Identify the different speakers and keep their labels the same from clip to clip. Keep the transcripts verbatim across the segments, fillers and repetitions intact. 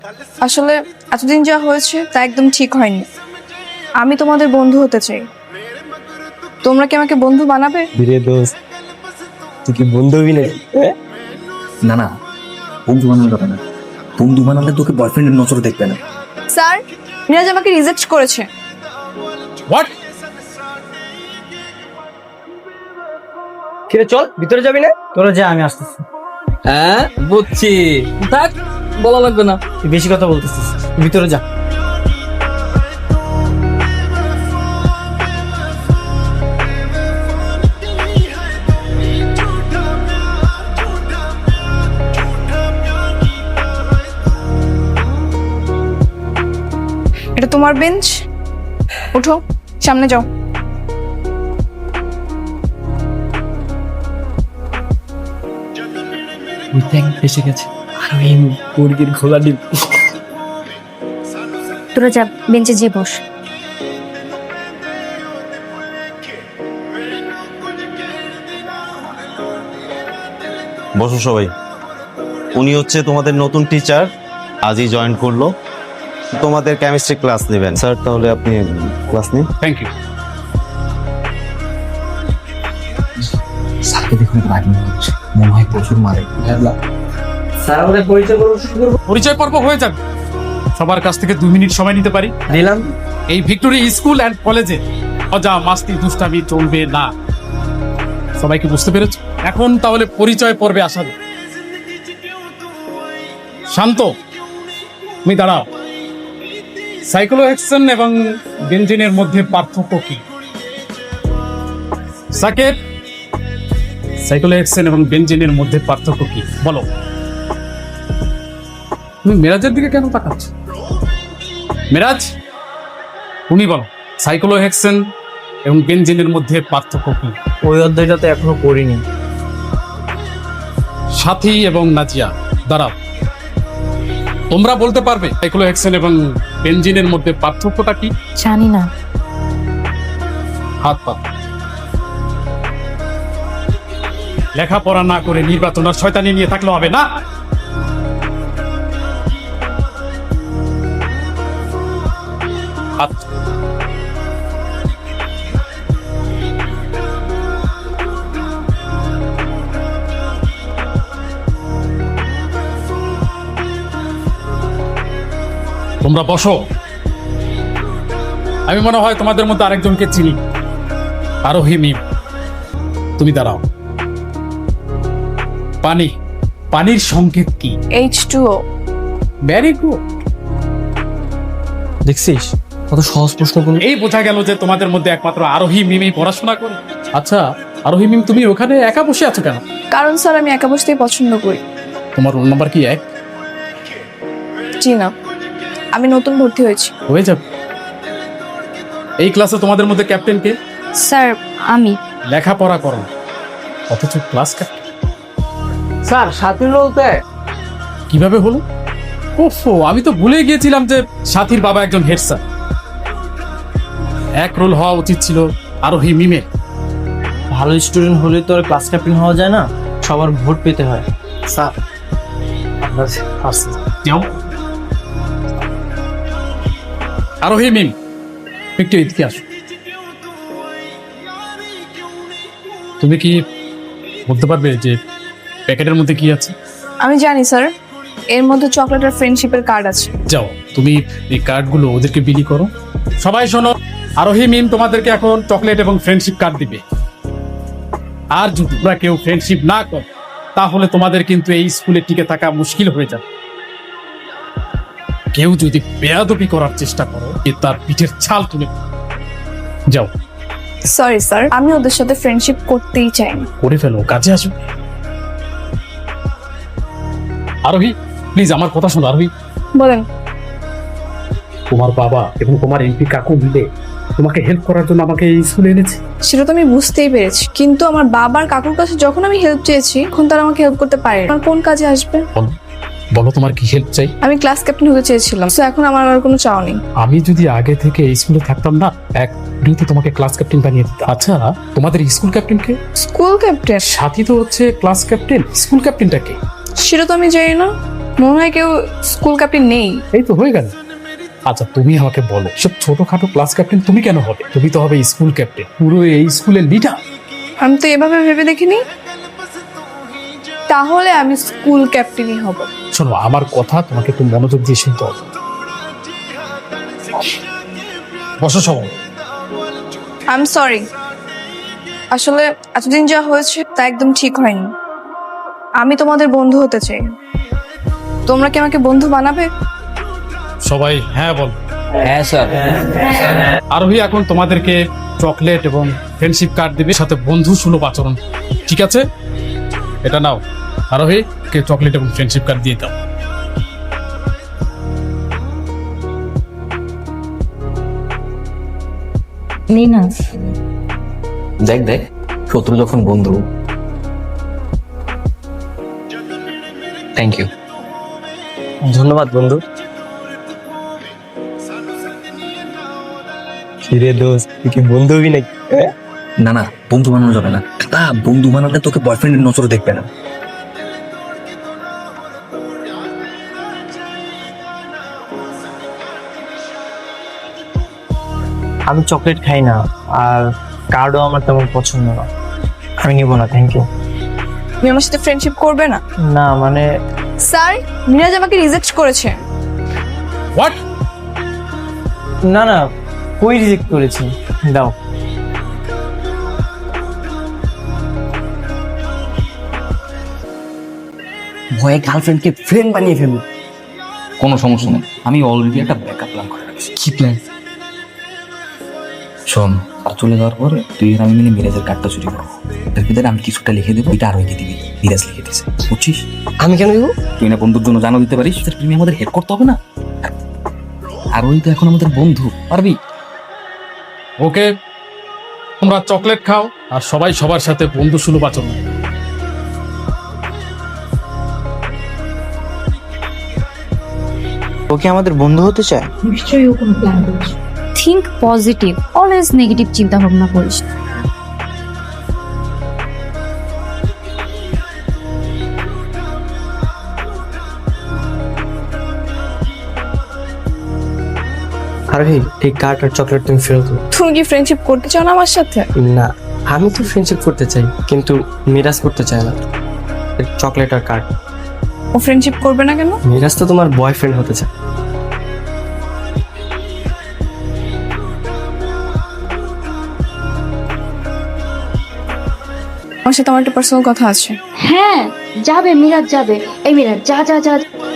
Speaker 1: আসলে এতদিন যা হয়েছে তা একদম ঠিক হয়নি। আমি তোমাদের বন্ধু হতে চাই। তোমরা কি আমাকে বন্ধু বানাবে?
Speaker 2: ধীরে দোস্ত, তুই কি বন্ধু হবি না?
Speaker 3: না না, বন্ধু বানানো যাবে না। বন্ধু বানালে তোকে বয়ফ্রেন্ডের নজরে দেখবে না।
Speaker 1: স্যার, মিরাজ আমাকে রিজেক্ট করেছে।
Speaker 2: হোয়াট?
Speaker 4: কিরে চল, ভিতরে যাবি না? তোরা যা, আমি আসতেছি।
Speaker 2: হ্যাঁ বুঝছি, থাক বলা লাগবে না।
Speaker 4: তুই বেশি কথা বলতেছিস, ভিতরে যা।
Speaker 1: এটা তোমার বেঞ্চ, ওঠো সামনে যাও।
Speaker 2: ওই দেখ এসে গেছে, আর ওই মুরগির ঘোলা ডিম।
Speaker 5: তোরা যা, বেঞ্চে যে বস।
Speaker 6: বসো সবাই। উনি হচ্ছে তোমাদের নতুন টিচার, আজই জয়েন করলো, তোমাদের কেমিস্ট্রি ক্লাস নেবেন। স্যার তাহলে আপনি ক্লাস নিন।
Speaker 7: Thank you.
Speaker 3: স্যারকে দেখুন রাগ মনে হচ্ছে, মনে হয় প্রচুর মারে।
Speaker 4: স্যার আমাদের পরিচয় করবো, শুরু করবো।
Speaker 7: পরিচয় পর্ব হয়ে যাবে। সবার কাছ থেকে দুই মিনিট সময় নিতে পারি?
Speaker 4: দিলাম।
Speaker 7: এই ভিক্টোরি স্কুল অ্যান্ড কলেজে মজা মাস্তি দুষ্টামি চলবে না। সবাইকে বুঝতে পেরেছ? এখন তাহলে পরিচয় পর্বে আসা যাক। শান্ত, তুমি দাঁড়াও। সাইক্লোহেক্সেন এবং বেনজিনের মধ্যে পার্থক্য কি? সাকেত, সাইক্লোহেক্সেন এবং বেনজিনের মধ্যে পার্থক্য কি বলো? তুমি মেরাজের দিকে কেন তাকাচ্ছ? মেরাজ, তুমি বলো, সাইক্লোহেক্সেন এবং বেনজিনের মধ্যে পার্থক্য কি?
Speaker 4: ওই অধ্যায়টা তো এখনো পড়িনি।
Speaker 7: সাথী এবং নাজিয়া, দাঁড়াও। তোমরা বলতে পারবে সাইক্লোহেক্সেন এবং বেনজিনের মধ্যে পার্থক্যটা কি?
Speaker 5: জানি না।
Speaker 7: হাত পা। লেখাপড়া না করে নির্বাচন আর শয়তানি নিয়ে থাকলে হবে না। হাত। তোমরা বসো। আমি মনে হয় তোমাদের মধ্যে আরেকজনকে চিনি, আরোহী মিম। তুমি দাঁড়াও। পানি, পানির সংকেত কি?
Speaker 1: H two O.
Speaker 7: Very good.
Speaker 4: দেখছিস কত সহজ প্রশ্নগুলো।
Speaker 7: এই বোঝা গেল যে তোমাদের মধ্যে একমাত্র আরোহী মিমই পড়াশোনা করে। আচ্ছা আরোহী মিম, তুমি ওখানে একা বসে আছো কেন?
Speaker 1: কারণ স্যার আমি একা বসতেই পছন্দ করি।
Speaker 7: তোমার রোল নাম্বার কি এক?
Speaker 1: জি না, আমি নতুন ভর্তি হয়েছি।
Speaker 7: হয়ে যাবে। এই ক্লাসে তোমাদের মধ্যে ক্যাপ্টেন কে?
Speaker 5: স্যার আমি।
Speaker 7: লেখাপড়া করো না, অথচ ক্লাস ক্যাপ্টেন।
Speaker 4: স্যার সাথী বলতে
Speaker 7: কিভাবে হলো? ওফো, আমি তো ভুলে গিয়েছিলাম যে সাথীর বাবা একজন হেড স্যার। এক রোল হওয়া উচিত ছিল আরোহী মিমের।
Speaker 4: ভালো স্টুডেন্ট হলে তো আর ক্লাস ক্যাপ্টেন হওয়া যায় না, সবার ভোট পেতে হয়। স্যার আমরা আসছি।
Speaker 7: যাও। আরোহী মিম, একটু এদিকে আসো। তুমি কি বলতে পারবে যে প্যাকেটের মধ্যে কি আছে?
Speaker 1: আমি জানি স্যার, এর মধ্যে চকলেট আর ফ্রেন্ডশিপের কার্ড আছে।
Speaker 7: যাও, তুমি এই কার্ডগুলো ওদেরকে বিলি করো। সবাই শোনো, আরোহী মিম তোমাদেরকে এখন চকলেট এবং ফ্রেন্ডশিপ কার্ড দিবে। আর যদি তোমরা কেউ ফ্রেন্ডশিপ না করো তাহলে তোমাদের কিন্তু এই স্কুলে টিকে থাকা মুশকিল হয়ে যাবে। কেউ যদি বেয়াদবি করার চেষ্টা করো, এ তার পিঠের ছাল তুলে যাও।
Speaker 1: সরি স্যার, আমি ওদের সাথে ফ্রেন্ডশিপ করতেই চাই না।
Speaker 7: করে ফেলো, কাজে আসো। আরোহী প্লিজ আমার কথা শোনো। আরোহী,
Speaker 1: বলেন।
Speaker 7: তোমার বাবা এবং তোমার এমপি কাকু মিলে তোমাকে হেল্প করার জন্য আমাকে এই স্কুলে এনেছে।
Speaker 1: সেটা তো আমি বুঝতেই পেরেছি, কিন্তু আমার বাবার কাকুর কাছে যখন আমি হেল্প চেয়েছি তখন তারা আমাকে হেল্প করতে পারে। আমার কোন কাজে আসবে?
Speaker 7: বলো, বলো তোমার কি হেল্প চাই?
Speaker 1: আমি ক্লাস ক্যাপ্টেন হতে চেয়েছিলাম, তো এখন আমার আর কোনো চাও নেই।
Speaker 7: আমি যদি আগে থেকে এই স্কুলে থাকতাম না, এক ভিডিওতে তোমাকে ক্লাস ক্যাপ্টেন বানিয়ে দিতাম। আচ্ছা তোমাদের স্কুল ক্যাপ্টেন কে?
Speaker 1: School captain?
Speaker 7: সাথী তো হচ্ছে ক্লাস ক্যাপ্টেন, স্কুল ক্যাপ্টেনটা কে?
Speaker 1: সেটা তো আমি জানি না। মনে হয় কেউ স্কুল ক্যাপ্টেন নেই।
Speaker 7: এই তো হয়ে গেল। আচ্ছা তুমি আমাকে বলো, সব ছোটখাটো ক্লাস ক্যাপ্টেন তুমি কেন হবে? তুমি তো হবে স্কুল ক্যাপ্টেন, পুরো এই স্কুলের লিডার।
Speaker 1: আমি তো এভাবে ভেবে দেখিনি। তাহলে আমি স্কুল ক্যাপ্টেনই হব।
Speaker 7: শোনো আমার কথা, তোমাকে একটু মনোযোগ দিয়ে শুনতে হবে। বসো সবাই।
Speaker 1: আই এম সরি, আসলে এতদিন যা হয়েছে তা একদম ঠিক হয়নি। আমি তোমাদের বন্ধু হতে চাই। তোমরা কি আমাকে বন্ধু বানাবে?
Speaker 7: সবাই হ্যাঁ বল।
Speaker 2: হ্যাঁ স্যার।
Speaker 7: আরোহী এখন তোমাদেরকে চকলেট এবং ফ্রেন্ডশিপ কার্ড দিবে, সাথে বন্ধু সুলভ আচরণ। ঠিক আছে, এটা নাও। আরোহী কে চকলেট এবং ফ্রেন্ডশিপ কার্ড দিয়ে দাও।
Speaker 5: লিনা,
Speaker 3: দেখ দেখ শত্রু যখন বন্ধু। Thank you.
Speaker 4: ধন্যবাদ বন্ধু। কিরে দোস্ত, তুই কি বন্ধু হবি নাকি?
Speaker 3: না না, বন্ধু বানানো যাবে না। তা বন্ধু বানালে তোকে বয়ফ্রেন্ডের নজরে দেখবে না।
Speaker 4: আমি চকলেট খাই না, আর কার্ডও আমার তেমন পছন্দ না। আমি নিব না, থ্যাংক ইউ।
Speaker 1: তুমি আমার সাথে ফ্রেন্ডশিপ করবে না?
Speaker 4: না মানে
Speaker 1: স্যার, মিরাজ আমাকে রিজেক্ট করেছে।
Speaker 7: হোয়াট?
Speaker 4: না না, কই রিজেক্ট করেছি? দাও।
Speaker 3: ভয়ে গার্লফ্রেন্ডকে ফ্রেন্ড বানিয়ে ফেলবো। কোনো সমস্যা নেই, আমি অলরেডি একটা ব্যাকআপ প্ল্যান করে রাখছি। কি প্ল্যান? শোন, আর চলে যাওয়ার পর তুই আর আমি মিলে মিরাজের কার্ডটা চুরি করবো। এর ভিতরে আমি কিছুটা লিখে দেবো, এটা আর ওইকে দিবি। মিরাজ লিখে দিয়েছে, বুঝছিস?
Speaker 4: আমি কেন দিব?
Speaker 3: তুই না বন্ধুর জন্য জানো দিতে পারিস, তুমি আমাদের হেল্প করতে হবে না? আর ওই তো এখন আমাদের বন্ধু, পারবি?
Speaker 7: ওকে, তোমরা চকলেট খাও আর সবাই সবার সাথে বন্ধু সুলভ আচরণ।
Speaker 4: ও কি আমাদের বন্ধু হতে চায়?
Speaker 5: নিশ্চয়ই ও কোনো প্ল্যান করছে। থিঙ্ক পজিটিভ, অলওয়েজ নেগেটিভ চিন্তা ভাবনা করিস না।
Speaker 4: আর এই এই কার্ড আর চকলেট তুমি ফেরত দাও।
Speaker 1: তুমি কি ফ্রেন্ডশিপ করতে চাও না আমার সাথে?
Speaker 4: না, আমি তো ফ্রেন্ডশিপ করতে চাই, কিন্তু মিরাজ করতে চায় না। চকলেট আর কার্ড।
Speaker 1: ও ফ্রেন্ডশিপ করবে না কেন?
Speaker 4: মিরাজ তো তোমার বয়ফ্রেন্ড হতে চায়।
Speaker 1: আমার সাথে আমার একটা পার্সোনাল কথা আছে।
Speaker 5: হ্যাঁ যাবে, মিরাজ যাবে। এই মিরাজ, যা যা যা।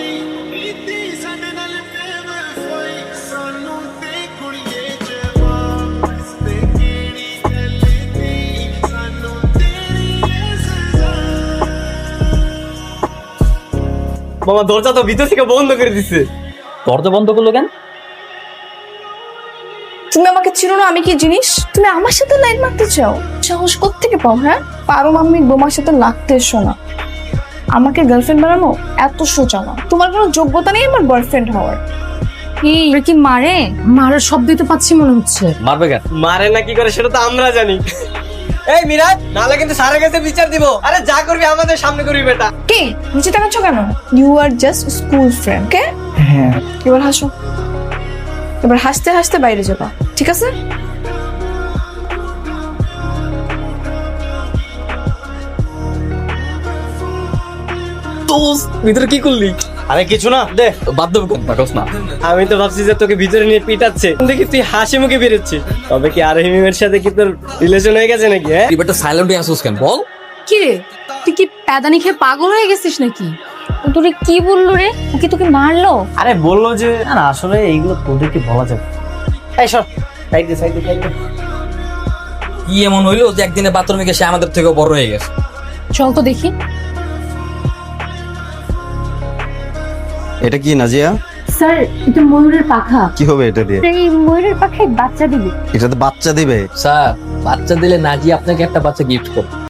Speaker 4: মামা দরজা তো ভিতর থেকে বন্ধ করে দিছে।
Speaker 2: দরজা বন্ধ করলো কেন?
Speaker 1: তুমি আমাকে চিনো না, আমি কি জিনিস? তুমি আমার সাথে লাইন মারতে চাও? সাহস কোত্থেকে পাও? হ্যাঁ, পারো মাম্মি বোমার সাথে লাগতে এসো না। আমাকে গার্লফ্রেন্ড বানানো এত সোজা না। তোমার কোনো যোগ্যতা নেই আমার বয়ফ্রেন্ড হওয়ার।
Speaker 5: কি কি মারে? মারার শব্দই তো পাচ্ছি মনে হচ্ছে।
Speaker 2: মারবে কেন?
Speaker 4: মারে না কি করে সেটা তো আমরা জানি। এই মিরাজ, নালে কিন্তু স্যারের কাছে বিচার দিব। আরে যা করবি আমাদের সামনে করবি বেটা।
Speaker 1: কি নিচে তাকাচ্ছ কেন? You are just school friend. কে?
Speaker 4: হ্যাঁ।
Speaker 1: এবার হাসো, এবার হাসতে হাসতে বাইরে যাবা, ঠিক আছে?
Speaker 4: দোস্ত, ভিতরে কি করলি? আরে কিছু না, দে।
Speaker 2: বাদ দেবো কোন পাকস না।
Speaker 4: আমি তো ভাবছি যে তোকে ভিতরে নিয়ে পিটাচ্ছে, দেখি তুই হাসি মুখে বেরোচ্ছিস। তবে কি আর হিমের সাথে কি তোর রিলেশন হয়ে গেছে নাকি? হ্যাঁ,
Speaker 2: তুই বেটা সাইলেন্টলি আসুস কেন বল?
Speaker 5: কি রে, তুই কি প্যাদানি খেয়ে পাগল হয়ে গেছিস নাকি? ও তোরে কি বললো রে? ও কি তোকে মারলো?
Speaker 4: আরে বললো যে না না, আসলে এইগুলো তোদেরকে বলা যাবে। এই সর, সাইড দে সাইড দে সাইড দে।
Speaker 2: কি এমন হইলো যে একদিনে বাথরুমে গিয়ে সে আমাদের থেকেও বড় হয়ে গেছে?
Speaker 5: চল তো দেখি।
Speaker 6: এটা কি নাজিয়া?
Speaker 5: স্যার, এটা ময়ূরের পাখা।
Speaker 6: কি হবে এটা দিয়ে?
Speaker 5: এই ময়ূরের পাখায় বাচ্চা দিবে।
Speaker 6: এটা তো বাচ্চা দিবে।
Speaker 2: স্যার, বাচ্চা দিলে নাজি আপনাকে একটা বাচ্চা গিফট করবে।